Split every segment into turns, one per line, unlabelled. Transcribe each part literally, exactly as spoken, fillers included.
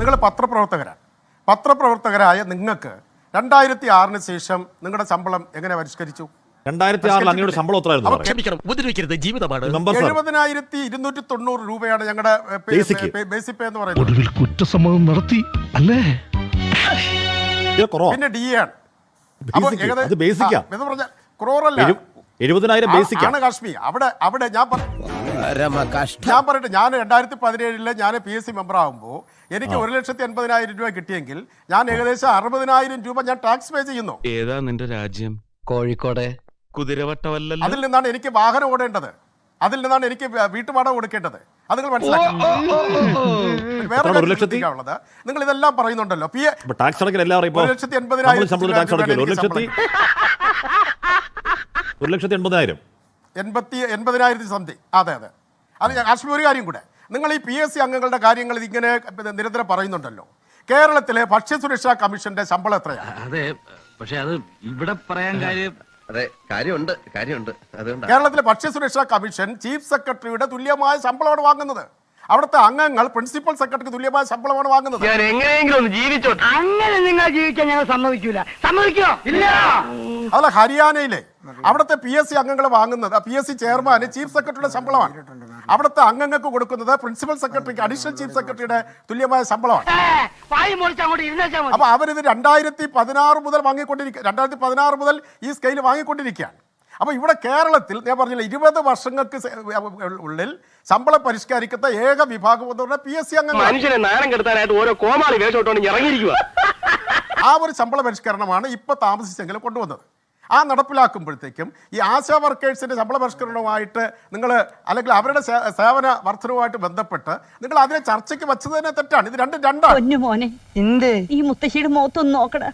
നിങ്ങൾ പത്രപ്രവർത്തകരാണ്. പത്രപ്രവർത്തകരായ നിങ്ങൾക്ക് രണ്ടായിരത്തി ആറിന് ശേഷം നിങ്ങളുടെ ശമ്പളം എങ്ങനെ പരിഷ്കരിച്ചു?
രണ്ടായിരത്തി ആറിൽ അങ്ങയുടെ ശമ്പളം എത്രയായിരുന്നു?
എഴുപതിനായിരത്തി ഇരുന്നൂറ്റി തൊണ്ണൂറ് രൂപയാണ് ഞങ്ങളുടെ ബേസിക് പേ എന്ന് പറയുന്നത്.
കുറ്റസമ്മതം നടത്തി അല്ലേ?
പിന്നെ ഡി എ ആണ്. എന്ന് പറഞ്ഞാൽ ക്രോറല്ല,
എഴുപതിനായിരം
ആണ് കാശ്മീർ. അവിടെ അവിടെ ഞാൻ ഞാൻ പറയട്ടെ, ഞാൻ രണ്ടായിരത്തി പതിനേഴില് ഞാൻ പി എസ് സി മെമ്പർ ആകുമ്പോൾ എനിക്ക് ഒരു ലക്ഷത്തി എൺപതിനായിരം രൂപ കിട്ടിയെങ്കിൽ ഞാൻ ഏകദേശം അറുപതിനായിരം രൂപ ഞാൻ ടാക്സ് പേ ചെയ്യുന്നു.
ഏതാ നിന്റെ രാജ്യം?
കോഴിക്കോട്.
കുതിരവട്ടമല്ലല്ലോ.
അതിൽ നിന്നാണ് എനിക്ക് വാഹനം ഓടേണ്ടത്, അതിൽ നിന്നാണ് എനിക്ക് വീട്ടുവാടക കൊടുക്കേണ്ടത്. അത് നിങ്ങൾ മനസ്സിലാക്കണം. വേറെ നിങ്ങൾ ഇതെല്ലാം പറയുന്നുണ്ടല്ലോ. പി ഒരു ലക്ഷത്തി എൺപതിനായിരം എൺപത്തി എൺപതിനായിരത്തി സംതിങ്. അതെ അതെ. അത് കാശ്മീർ ഒരു കാര്യം കൂടെ, നിങ്ങൾ ഈ പി എസ് സി അംഗങ്ങളുടെ കാര്യങ്ങൾ ഇതിങ്ങനെ നിരന്തരം പറയുന്നുണ്ടല്ലോ. കേരളത്തിലെ ഭക്ഷ്യസുരക്ഷാ കമ്മീഷന്റെ ശമ്പളം എത്രയാണ്?
അതെ, പക്ഷെ അത് ഇവിടെ പറയാൻ കാര്യം
അതെ കാര്യമുണ്ട് കാര്യമുണ്ട് അതുകൊണ്ട്
കേരളത്തിലെ ഭക്ഷ്യസുരക്ഷാ കമ്മീഷൻ ചീഫ് സെക്രട്ടറിയുടെ തുല്യമായ ശമ്പളമാണ് വാങ്ങുന്നത്. അവിടുത്തെ അംഗങ്ങൾ പ്രിൻസിപ്പൽ സെക്രട്ടറിക്ക് തുല്യമായ ശമ്പളമാണ് വാങ്ങുന്നത്.
ഞാൻ എങ്ങനെയെങ്കിലും ഒന്ന് ജീവിച്ചോട്ടെ. അങ്ങനെ നിങ്ങൾ ജീവിക്കാൻ ഞങ്ങൾ സമ്മതിക്കൂല. സമ്മതിക്കോ? ഇല്ല.
അതല്ല, ഹരിയാനയിലെ അവിടുത്തെ പി എസ് സി അംഗങ്ങൾ വാങ്ങുന്നത്, പി എസ് സി ചെയർമാന് ചീഫ് സെക്രട്ടറിയുടെ ശമ്പളമാണ്. അവിടുത്തെ അംഗങ്ങൾക്ക് കൊടുക്കുന്നത് പ്രിൻസിപ്പൽ സെക്രട്ടറിക്ക് അഡീഷണൽ ചീഫ് സെക്രട്ടറിയുടെ തുല്യമായ ശമ്പളമാണ്. അപ്പൊ അവരിത് രണ്ടായിരത്തി പതിനാറ് മുതൽ വാങ്ങിക്കൊണ്ടിരിക്കുക രണ്ടായിരത്തി പതിനാറ് മുതൽ ഈ സ്കെയിൽ വാങ്ങിക്കൊണ്ടിരിക്കുകയാണ്. അപ്പൊ ഇവിടെ കേരളത്തിൽ ഞാൻ പറഞ്ഞില്ല, ഇരുപത് വർഷങ്ങൾക്ക് ഉള്ളിൽ ശമ്പളം പരിഷ്കരിക്കുന്ന ഏക വിഭാഗം എന്ന് പറഞ്ഞാൽ പി എസ് സി അംഗങ്ങൾ.
മനുഷ്യനെ നാണം കെടുത്താനായിട്ട് ഓരോ കോമാളി വേഷോട്ടോണ്ട് ഇറങ്ങിയിരിക്കുക.
ആ ഒരു ശമ്പള പരിഷ്കരണമാണ് ഇപ്പൊ താമസിച്ചെങ്കിലും കൊണ്ടുവന്നത്. ആ നടപ്പിലാക്കുമ്പോഴത്തേക്കും ഈ ആശാ വർക്കേഴ്സിന്റെ ശമ്പള പരിഷ്കരണവുമായിട്ട് നിങ്ങൾ അല്ലെങ്കിൽ അവരുടെ സേവന വർധനവുമായിട്ട് ബന്ധപ്പെട്ട് നിങ്ങൾ അതിനെ ചർച്ചയ്ക്ക് വെച്ചത് തന്നെ തെറ്റാണ്. ഇത് രണ്ടും രണ്ടാണ്.
മോനെ ഈ മുത്തശ്ശിയുടെ മുഖത്തൊന്ന് നോക്കടാ.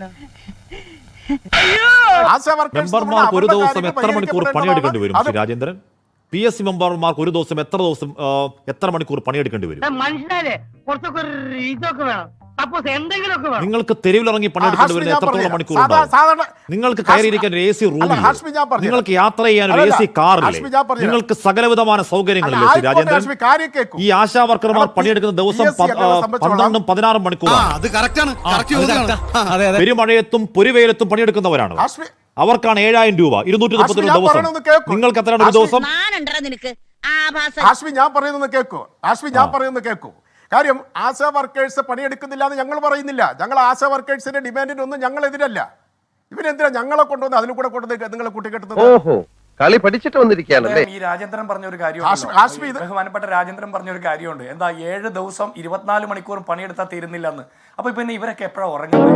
മെമ്പർമാർക്ക് ഒരു ദിവസം എത്ര മണിക്കൂർ പണിയെടുക്കേണ്ടി വരും രാജേന്ദ്രൻ? പി എസ് സി മെമ്പർമാർക്ക് ഒരു ദിവസം എത്ര ദിവസം എത്ര മണിക്കൂർ പണിയെടുക്കേണ്ടി വരും?
മനുഷ്യനെ കുറച്ചൊക്കെ ഇതൊക്കെ വേണം.
നിങ്ങൾക്ക് തെരുവിലിറങ്ങി പണിയെടുക്കേണ്ടി വരുന്ന എത്രത്തോളം മണിക്കൂർ ഉണ്ടാവും? നിങ്ങൾക്ക് കയറിയിരിക്കാൻ ഒരു എ സി റൂമിൽ, നിങ്ങൾക്ക് യാത്ര ചെയ്യാൻ ഒരു എ സി കാറിൽ, നിങ്ങൾക്ക് സകലവിധമായ സൗകര്യങ്ങളില്ലേ ശ്രീ രാജേന്ദ്രൻ? ഈ ആശാ വർക്കർമാർ പണിയെടുക്കുന്ന ദിവസം പന്ത്രണ്ടും പതിനാറും മണിക്കൂറാണ്. പെരുമഴയത്തും പൊരുവെയിലത്തും പണിയെടുക്കുന്നവരാണ്. അവർക്കാണ് ഏഴായിരം രൂപ, ഇരുന്നൂറ്റി മുപ്പത്തി രണ്ട് ദിവസം. നിങ്ങൾക്ക് എത്രയാണ് ഒരു ദിവസം?
ഹാഷ്മി ഞാൻ പറയുന്നത് കേൾക്കൂ, ഹാഷ്മി ഞാൻ പറയുന്നത് കേൾക്കൂ. കാര്യം ആശാ വർക്കേഴ്സ് പണിയെടുക്കുന്നില്ല എന്ന് ഞങ്ങൾ പറയുന്നില്ല. ഞങ്ങൾ ആശാ വർക്കേഴ്സിന്റെ ഡിമാൻഡിനൊന്നും ഞങ്ങൾ എതിരല്ല. ഇവരെന്തിനാ ഞങ്ങളെ കൊണ്ടുവന്ന് അതിൽ കൂടെ കൊണ്ടുവന്ന് നിങ്ങളെ കൂട്ടിക്കെട്ടുന്നത്?
ഓഹോ, കളി പഠിച്ചിട്ട് വന്നിരിക്കുകയാണല്ലേ.
ഈ രാജേന്ദ്രൻ പറഞ്ഞ ഒരു കാര്യം, ബഹുമാനപ്പെട്ട രാജേന്ദ്രൻ പറഞ്ഞ ഒരു കാര്യമുണ്ട്. എന്താ, ഏഴ് ദിവസം ഇരുപത്തിനാല് മണിക്കൂർ പണിയെടുത്താൽ തീരുന്നില്ല എന്ന്. അപ്പൊ പിന്നെ ഇവരൊക്കെ എപ്പോഴാ ഉറങ്ങുന്നത്?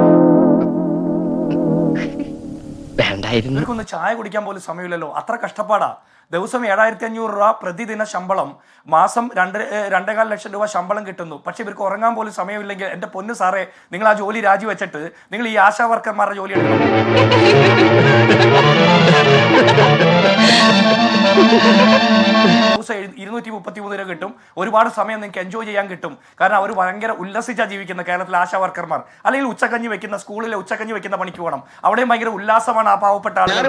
ഇവർക്കൊന്ന് ചായ കുടിക്കാൻ പോലും സമയമില്ലല്ലോ. അത്ര കഷ്ടപ്പാടാ. ദിവസം ഏഴായിരത്തി അഞ്ഞൂറ് രൂപ പ്രതിദിന ശമ്പളം, മാസം രണ്ട് രണ്ടേകാൽ ലക്ഷം രൂപ ശമ്പളം കിട്ടുന്നു. പക്ഷെ ഇവർക്ക് ഉറങ്ങാൻ പോലും സമയമില്ലെങ്കിൽ എന്റെ പൊന്നു സാറേ, നിങ്ങൾ ആ ജോലി രാജിവെച്ചിട്ട് നിങ്ങൾ ഈ ആശാ വർക്കർമാരുടെ ജോലി എടുക്കണം. ദിവസം ഇരുന്നൂറ്റി മുപ്പത്തി മൂന്ന് രൂപ കിട്ടും. ഒരുപാട് സമയം നിങ്ങൾക്ക് എൻജോയ് ചെയ്യാൻ കിട്ടും. കാരണം അവർ ഭയങ്കര ഉല്ലസിച്ചാ ജീവിക്കുന്ന കേരളത്തിലെ ആശാ വർക്കർമാർ. അല്ലെങ്കിൽ ഉച്ചക്കഞ്ഞി വെക്കുന്ന സ്കൂളിലെ ഉച്ചക്കഞ്ഞി വെക്കുന്ന പണിക്ക് പോകണം. അവിടെയും ഭയങ്കര ഉല്ലാസമാണ് ആ പാവപ്പെട്ട ആളുകൾ.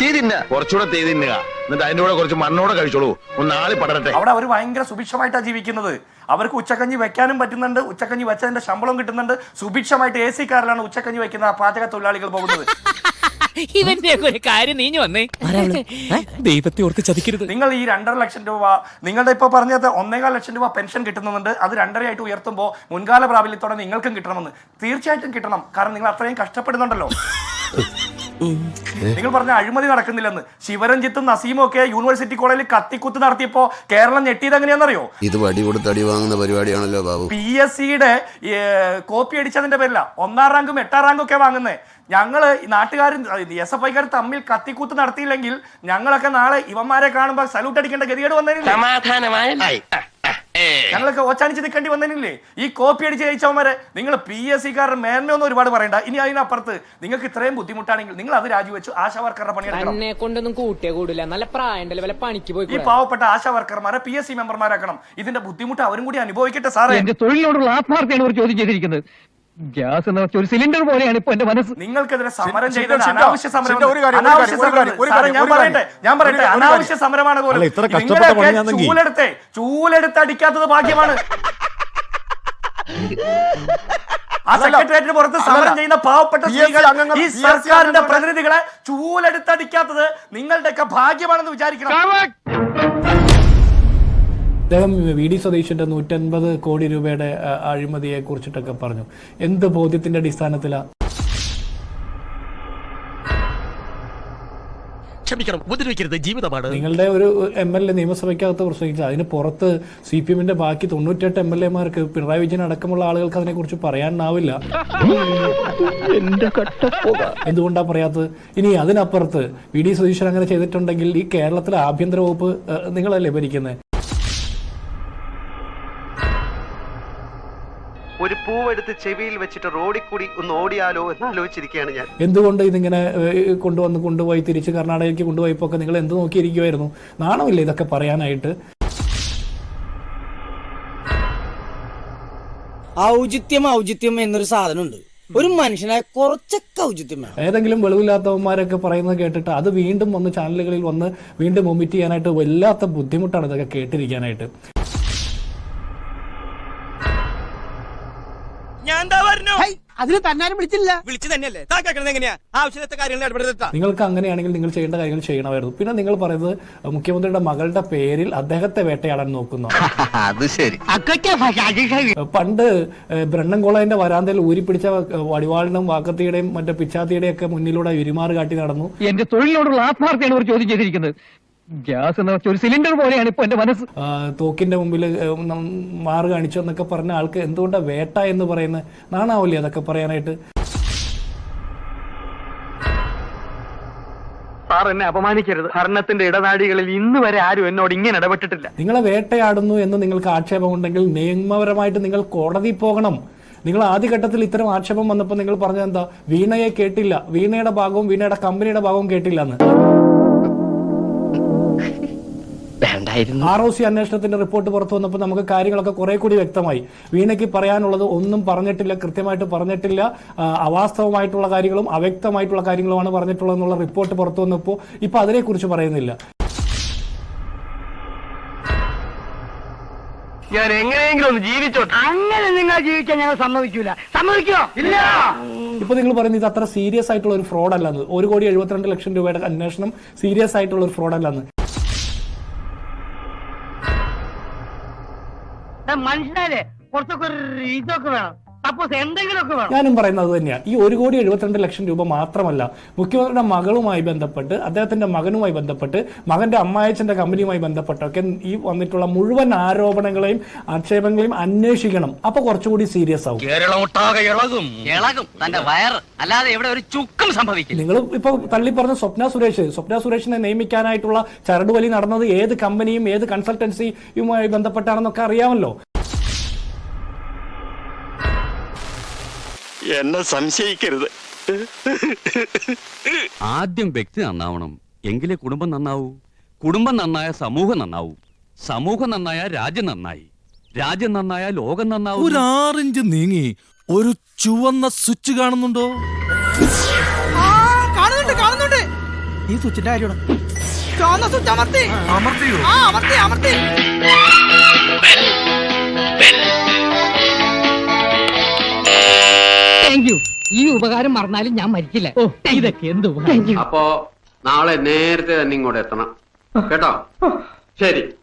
കുറച്ച് മണ്ണോടെ കഴിച്ചോളൂ, ഒന്നാളി പടരട്ടെ.
അവിടെ അവർ ഭയങ്കര സുഭിക്ഷമായിട്ടാണ് ജീവിക്കുന്നത്. അവർക്ക് ഉച്ചക്കഞ്ഞി വെക്കാനും പറ്റുന്നുണ്ട്, ഉച്ചക്കഞ്ഞി വെച്ചതിന്റെ ശമ്പളം കിട്ടുന്നുണ്ട്. സുഭിക്ഷമായിട്ട് എ സി കാറിലാണ് ഉച്ചക്കഞ്ഞി വെക്കുന്ന പാചക തൊഴിലാളികൾ പോകുന്നത്.
ഇവന്റെ ഒരു കാര്യം നീഞ്ഞു വന്നേ, ദൈവത്തെ ഓർത്ത് ചതിക്കരുത്.
നിങ്ങൾ ഈ രണ്ടര ലക്ഷം രൂപ നിങ്ങളുടെ ഇപ്പൊ പറഞ്ഞത് ഒന്നേകാൽ ലക്ഷം രൂപ പെൻഷൻ കിട്ടുന്നുണ്ട്. അത് രണ്ടരയായിട്ട് ഉയർത്തുമ്പോൾ മുൻകാല പ്രാബല്യത്തോടെ നിങ്ങൾക്കും കിട്ടണമെന്ന്. തീർച്ചയായിട്ടും കിട്ടണം. കാരണം നിങ്ങൾ അത്രയും കഷ്ടപ്പെടുന്നുണ്ടല്ലോ. നിങ്ങൾ പറഞ്ഞ അഴിമതി നടക്കുന്നില്ലെന്ന്. ശിവരഞ്ജിത്തും നസീമും ഒക്കെ യൂണിവേഴ്സിറ്റി കോളേജിൽ കത്തിക്കുത്ത് നടത്തിയപ്പോ കേരളം ഞെട്ടിയത് എങ്ങനെയാണെന്നറിയോ?
ഇത് വടി കൊടുത്ത് അടി വാങ്ങുന്ന പരിപാടിയാണല്ലോ ബാബു.
പി എസ് സിയുടെ കോപ്പി അടിച്ചതിന്റെ പേരില ഒന്നാം റാങ്കും എട്ടാം റാങ്കും ഒക്കെ വാങ്ങുന്നേ. ഞങ്ങള് നാട്ടുകാരും എസ് എഫ് ഐക്കാർ തമ്മിൽ കത്തിക്കൂത്ത് നടത്തിയില്ലെങ്കിൽ ഞങ്ങളൊക്കെ നാളെ ഇവന്മാരെ കാണുമ്പോ സല്യൂട്ട് അടിക്കേണ്ട ഗതികേട് വന്നേനില്ലേ? ഞങ്ങളൊക്കെ ഓച്ചാനിച്ച് നിൽക്കേണ്ടി വന്നേനില്ലേ? ഈ കോപ്പി അടിച്ച് ജയിച്ചവന്മാരെ നിങ്ങൾ പി എസ് സിക്കാരുടെ മേന്മയൊന്നും ഒരുപാട് പറയണ്ട. ഇനി അതിനപ്പുറത്ത് നിങ്ങൾക്ക് ഇത്രയും ബുദ്ധിമുട്ടാണെങ്കിൽ നിങ്ങൾ അത് രാജിവെച്ചു ആശാ വർക്കറുടെ പണിയെടുക്കണം. ഈ പാവപ്പെട്ട ആശാ വർക്കർമാരെ പി എസ് സി മെമ്പർമാരാക്കണം. ഇതിന്റെ ബുദ്ധിമുട്ട് അവരും കൂടി അനുഭവിക്കട്ടെ സാറേ.
എന്റെ തൊഴിലിനോടുള്ള ആത്മാർത്ഥയാണ് ഒരു ചോദ്യം ചെയ്തിരിക്കുന്നത്. ഗ്യാസ് എന്ന് വെച്ച ഒരു സിലിണ്ടർ പോലെയാണ് ഇപ്പൊ എന്റെ മനസ്സ്.
നിങ്ങൾക്കെതിരെ സമരം ചെയ്തത് അനാവശ്യ സമരം. ഞാൻ പറയട്ടെ ഞാൻ പറയട്ടെ അനാവശ്യ സമരമാണ് പോലും. ചൂലെടുത്ത് ചൂലെടുത്ത് അടിക്കാത്തത് ഭാഗ്യമാണ്. ആ സെക്രട്ടേറിയറ്റിന് പുറത്ത് സമരം ചെയ്യുന്ന പാവപ്പെട്ട സ്ത്രീകൾ ഈ സർക്കാരിന്റെ പ്രതിനിധികളെ ചൂലെടുത്തടിക്കാത്തത് നിങ്ങളുടെയൊക്കെ ഭാഗ്യമാണെന്ന് വിചാരിക്കണം.
അദ്ദേഹം വി ഡി സതീശന്റെ നൂറ്റൻപത് കോടി രൂപയുടെ അഴിമതിയെ കുറിച്ചിട്ടൊക്കെ പറഞ്ഞു. എന്ത് ബോധ്യത്തിന്റെ അടിസ്ഥാനത്തിലാ?
ക്ഷമിക്കണം, ഉപദ്രവിക്കരുത്, ജീവിതമാണ്.
നിങ്ങളുടെ ഒരു എം എൽ എ നിയമസഭയ്ക്കകത്ത് പ്രസംഗിച്ചത് അതിന് പുറത്ത് സി പി എമ്മിന്റെ ബാക്കി തൊണ്ണൂറ്റെട്ട് എം എൽ എമാർക്ക് പിണറായി വിജയൻ അടക്കമുള്ള ആളുകൾക്ക് അതിനെ കുറിച്ച് പറയാനാവില്ല. എന്തുകൊണ്ടാ പറയാത്തത്? ഇനി അതിനപ്പുറത്ത് വി ഡി സതീശൻ അങ്ങനെ ചെയ്തിട്ടുണ്ടെങ്കിൽ ഈ കേരളത്തിലെ ആഭ്യന്തര വകുപ്പ് നിങ്ങളല്ലേ ഭരിക്കുന്നത്?
ഒരു പൂവെടുത്ത് ചെവിയിൽ വെച്ചിട്ട് റോഡിൽ കൂടി ഒന്ന് ഓടിയാലോ എന്ന് ആലോചിച്ചിരിക്കുകയാണ് ഞാൻ.
എന്തുകൊണ്ട് ഇതിങ്ങനെ കൊണ്ടുവന്ന് കൊണ്ടുപോയി തിരിച്ച് കർണാടകയ്ക്ക് കൊണ്ടുപോയപ്പോ ഒക്കെ നിങ്ങൾ എന്ത് നോക്കിയിരിക്കുമായിരുന്നു? നാണമില്ല ഇതൊക്കെ പറയാനായിട്ട്?
ഔചിത്യം ഔചിത്യം എന്നൊരു സാധനമുണ്ട്. ഒരു മനുഷ്യനെ കുറച്ചൊക്കെ ഔചിത്യം വേണം.
ഏതെങ്കിലും വെളിവില്ലാത്തവന്മാരൊക്കെ പറയുന്നത് കേട്ടിട്ട് അത് വീണ്ടും വന്ന് ചാനലുകളിൽ വന്ന് വീണ്ടും ഒമിറ്റ് ചെയ്യാനായിട്ട് വല്ലാത്ത ബുദ്ധിമുട്ടാണ് ഇതൊക്കെ കേട്ടിരിക്കാനായിട്ട്.
അതിന് തന്നാരും വിളിച്ചില്ല. വിളിച്ചു തന്നെയല്ലേ എങ്ങനെയാ ആവശ്യത്തെ കാര്യങ്ങൾ ഇടപെടുത്ത.
നിങ്ങൾക്ക് അങ്ങനെയാണെങ്കിൽ നിങ്ങൾ ചെയ്യേണ്ട കാര്യങ്ങൾ ചെയ്യണമായിരുന്നു. പിന്നെ നിങ്ങൾ പറയുന്നത് മുഖ്യമന്ത്രിയുടെ മകളുടെ പേരിൽ അദ്ദേഹത്തെ വേട്ടയാടാൻ നോക്കുന്നു.
അത് ശരി.
പണ്ട് ബ്രണ്ണൻകോളേന്റെ വരാന്തയിൽ ഊരിപ്പിടിച്ച വടിവാളിനും വാക്കത്തിയുടെയും മറ്റേ പിച്ചാത്തിയുടെയും ഒക്കെ മുന്നിലൂടെ ഉരുമാറ് കാട്ടി നടന്നു.
എന്റെ തൊഴിലിനോടുള്ള ആത്മാർത്ഥയാണ് ഒരു ചോദ്യം ചെയ്തിരിക്കുന്നത്. ഗ്യാസ് എന്ന് വെച്ചാൽ ഒരു സിലിണ്ടർ പോലെയാണ് ഇപ്പൊ എന്റെ മനസ്സ്.
തോക്കിന്റെ മുമ്പിൽ മാറ് കാണിച്ചു എന്നൊക്കെ പറഞ്ഞ ആൾക്ക് എന്തുകൊണ്ടാ വേട്ട എന്ന് പറയുന്നത്? നാണാവില്ലേ അതൊക്കെ പറയാനായിട്ട്?
സാർ എന്നെ അപമാനിക്കരുത്. ഭരണത്തിന്റെ ഇടനാടികളിൽ ഇന്ന് വരെ ആരും എന്നോട് ഇങ്ങനെ ഇടപെട്ടിട്ടില്ല.
നിങ്ങളെ വേട്ടയാടുന്നു എന്ന് നിങ്ങൾക്ക് ആക്ഷേപമുണ്ടെങ്കിൽ നിയമപരമായിട്ട് നിങ്ങൾ കോടതി പോകണം. നിങ്ങൾ ആദ്യഘട്ടത്തിൽ ഇത്തരം ആക്ഷേപം വന്നപ്പോൾ നിങ്ങൾ പറഞ്ഞത് എന്താ? വീണയെ കേട്ടില്ല, വീണയുടെ ഭാഗവും വീണയുടെ കമ്പനിയുടെ ഭാഗവും കേട്ടില്ല എന്ന്. ആർ ഒ സി അന്വേഷണത്തിന്റെ റിപ്പോർട്ട് പുറത്തു വന്നപ്പോൾ നമുക്ക് കാര്യങ്ങളൊക്കെ കുറെ കൂടി വ്യക്തമായി. വീണയ്ക്ക് പറയാനുള്ളത് ഒന്നും പറഞ്ഞിട്ടില്ല, കൃത്യമായിട്ട് പറഞ്ഞിട്ടില്ല, അവാസ്തവമായിട്ടുള്ള കാര്യങ്ങളും അവ്യക്തമായിട്ടുള്ള കാര്യങ്ങളുമാണ് പറഞ്ഞിട്ടുള്ളത് എന്നുള്ള റിപ്പോർട്ട് പുറത്തു വന്നപ്പോൾ ഇപ്പൊ അതിനെക്കുറിച്ച് പറയുന്നില്ല.
ഞാൻ എങ്ങനെയെങ്കിലും ഒന്ന് ജീവിച്ചോട്ടെ. അങ്ങനെ നിങ്ങൾ ജീവിക്കാൻ ഞങ്ങൾ സമ്മതിക്കൂല. സമ്മതിക്കോ? ഇല്ല.
ഇപ്പൊ നിങ്ങൾ പറയുന്നത് ഇത് അത്ര സീരിയസ് ആയിട്ടുള്ള ഒരു ഫ്രോഡ് അല്ലെന്ന്. ഒരു കോടി എഴുപത്തിരണ്ട് ലക്ഷം രൂപയുടെ അന്വേഷണം സീരിയസ് ആയിട്ടുള്ള ഒരു ഫ്രോഡ് അല്ലെന്ന്.
മനുഷ്യനാലേ കുറച്ചൊക്കെ ഇതൊക്കെ വേണം. സപ്പോസ് എന്തെങ്കിലുമൊക്കെ വേണം.
ഞാനും പറയുന്നത് അത് തന്നെയാണ്. ഈ ഒരു കോടി എഴുപത്തിരണ്ട് ലക്ഷം രൂപ മാത്രമല്ല, മുഖ്യമന്ത്രിയുടെ മകളുമായി ബന്ധപ്പെട്ട്, അദ്ദേഹത്തിന്റെ മകനുമായി ബന്ധപ്പെട്ട്, മകന്റെ അമ്മായച്ചന്റെ കമ്പനിയുമായി ബന്ധപ്പെട്ടൊക്കെ ഈ വന്നിട്ടുള്ള മുഴുവൻ ആരോപണങ്ങളെയും ആക്ഷേപങ്ങളെയും അന്വേഷിക്കണം. അപ്പൊ കുറച്ചുകൂടി സീരിയസ് ആവും.
അല്ലാതെ ഇവിടെ ഒരു ചുക്കും സംഭവിക്കും.
നിങ്ങൾ ഇപ്പൊ തള്ളി പറഞ്ഞ സ്വപ്ന സുരേഷ് സ്വപ്ന സുരേഷിനെ നിയമിക്കാനായിട്ടുള്ള ചരടുവലി നടന്നത് ഏത് കമ്പനിയും ഏത് കൺസൾട്ടൻസിയുമായി ബന്ധപ്പെട്ടാണെന്നൊക്കെ അറിയാമല്ലോ.
എന്നെ സംശയിക്കരുത്.
ആദ്യം വ്യക്തി നന്നാവണം, എങ്കിലേ കുടുംബം നന്നാവൂ. കുടുംബം നന്നായ സമൂഹം നന്നാവൂ. സമൂഹം നന്നായ രാജ്യം നന്നായി. രാജ്യം നന്നായ ലോകം നന്നാവും.
ഒരു ആറിഞ്ച് നീങ്ങി ഒരു ചുവന്ന സ്വിച്ച് കാണുന്നുണ്ടോ?
കാണുന്നുണ്ട് കാണുന്നുണ്ട്. ഈ സ്വിച്ചിന്റെ കാര്യമാണ്. ചുവന്ന സ്വിച്ച് അമർത്തി അമർത്തിയോ? ആ അമർത്തി അമർത്തി.
ഈ ഉപകാരം മറന്നാലും ഞാൻ മരിക്കില്ല. ഇതൊക്കെ എന്ത്
അപ്പോ നാളെ നേരത്തെ തന്നെ ഇങ്ങോട്ട് എത്തണം കേട്ടോ? ശരി.